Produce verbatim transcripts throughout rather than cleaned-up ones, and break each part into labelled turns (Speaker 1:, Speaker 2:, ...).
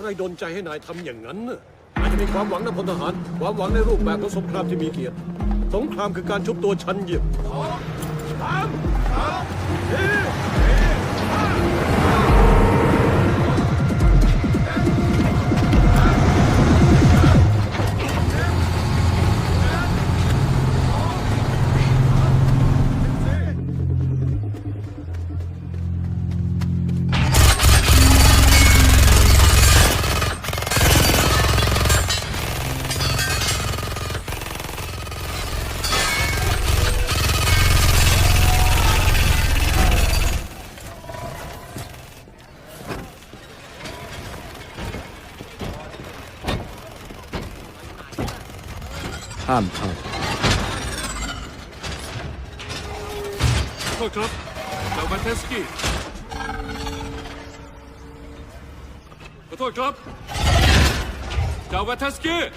Speaker 1: อะไรดลใจให้นายทำอย่างนั้นน่ะนายจะมีความหวังนะพลทหารความหวังในรูปแบบของสงครามที่มีเกียรติสงครามคือการชุบตัวชันเหยียบสามสามสี่
Speaker 2: ห้ามเข้า
Speaker 3: โทษครับดาวแวนเทสกี้ขอโทษครับดาวแวนเทสกี้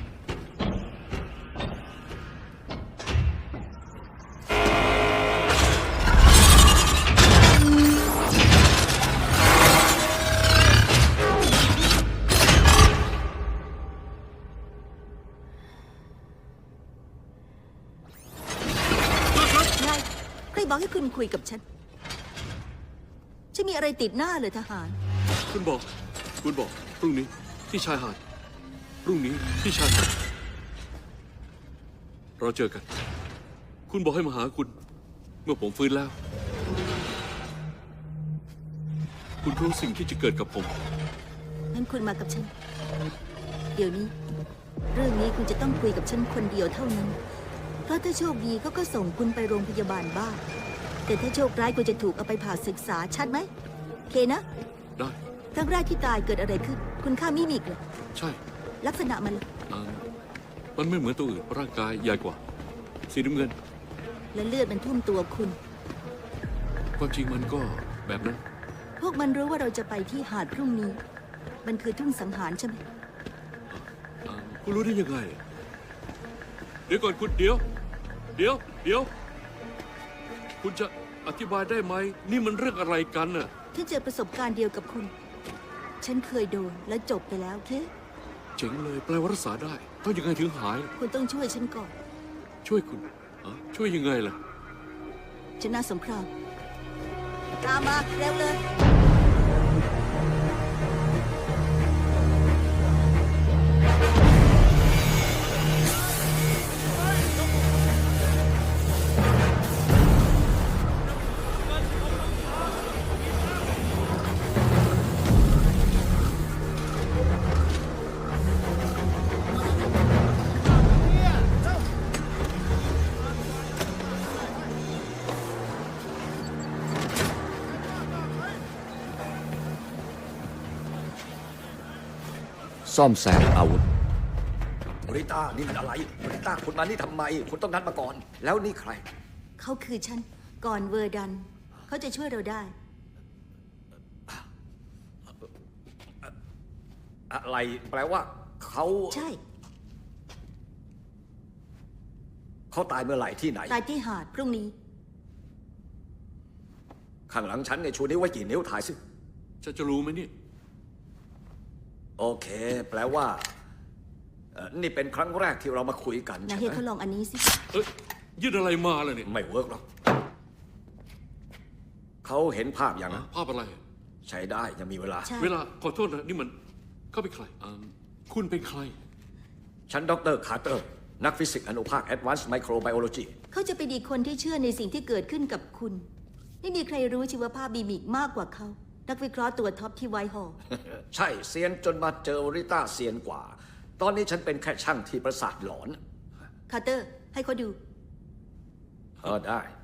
Speaker 4: บอกให้คุณคุยกับฉันฉันมีอะไรติดหน้าเลยทหาร
Speaker 3: คุณบอกคุณบอกพรุ่งนี้ที่ชายหาดพรุ่งนี้ที่ชายหาดเราเจอกันคุณบอกให้มาหาคุณเมื่อผมฟื้นแล้วคุณรู้สิ่งที่จะเกิดกับผม
Speaker 4: งั้นคุณมากับฉันเดี๋ยวนี้เรื่องนี้คุณจะต้องคุยกับฉันคนเดียวเท่านั้นเพราะถ้าโชคดีเขาก็ส่งคุณไปโรงพยาบาลบ้างแต่ถ้าโชคร้ายคุณจะถูกเอาไปผ่าศึกษาชัดไหมเคนะ
Speaker 3: ได้
Speaker 4: ครั้งแรกที่ตายเกิดอะไรขึ้นคุณฆ่ามิมิกเหรอ
Speaker 3: ใช่
Speaker 4: ลักษณะมัน
Speaker 3: มันไม่เหมือนตัวอื่นร่างกายใหญ่กว่าสีน้ำเงิน
Speaker 4: และเลือดมันท่วมตัวคุณ
Speaker 3: ความจริงมันก็แบบนั้น
Speaker 4: พวกมันรู้ว่าเราจะไปที่หาดพรุ่งนี้มันคือทุ่งสังหารใช่ไหม
Speaker 3: คุณรู้ได้ยังไงเดี๋ยวก่อนคุณเดี๋ยวเดี๋ยวเดี๋ยวคุณจะอธิบายได้ไหมนี่มันเรื่องอะไรกันน่ะ
Speaker 4: ฉันเจอประสบการณ์เดียวกับคุณฉันเคยโดนและจบไปแล้วเค
Speaker 3: เจ๋งเลยแปลว่ารักษาได้ต้องยังไงถึงหาย
Speaker 4: คุณต้องช่วยฉันก่อน
Speaker 3: ช่วยคุณช่วยยังไงล่ะ
Speaker 4: ชนะสงครามตามมาเร็วเลย
Speaker 2: ซ่อมแซมอาวุธ
Speaker 5: บริต้านี่มันอะไรบริต้าคุณมานี่ทำไมคุณต้องนัดมาก่อนแล้วนี่ใคร
Speaker 4: เขาคือฉันก่อนเวอร์ดันเขาจะช่วยเราได้
Speaker 5: อะไรแปลว่าเขา
Speaker 4: ใช่
Speaker 5: เขาตายเมื่อไหร่ที่ไหน
Speaker 4: ตายที่หาดพรุ่งนี้
Speaker 5: ข้างหลังฉันเนี่ยชูนิ้วไว้กี่นิ้วถ่ายสิ
Speaker 3: ฉันจะรู้ไหมนี่
Speaker 5: โอเคแปลว่านี่เป็นครั้งแรกที่เรามาคุยกัน
Speaker 4: นายเฮเขาลองอันนี้สิ
Speaker 3: เอ้ยยื่นอะไรมาเลยเนี่ย
Speaker 5: ไม่เวิร์กหรอกเขาเห็นภาพอย่างนั้น
Speaker 3: ภาพอะไร
Speaker 5: ใช้ได้ยังมีเวลา
Speaker 3: เวลาขอโทษนะนี่มันเขาเป็นใครคุณเป็นใคร
Speaker 5: ฉันดร.คาร์เตอร์นักฟิสิกส์อนุภาค Advanced Microbiology
Speaker 4: เขาจะเป็นอีกคนที่เชื่อในสิ่งที่เกิดขึ้นกับคุณไม่มีใครรู้ชีวภาพบีมิกมากกว่าเขานักวิเคราะห์ตัวท็อปที่ไวท์ฮอลล์
Speaker 5: ใช่เซียนจนมาเจอริต้าเซียนกว่าตอนนี้ฉันเป็นแค่ช่างที่ประสาทหลอน
Speaker 4: คาร์เตอร์ให้เขาดู
Speaker 5: เออได้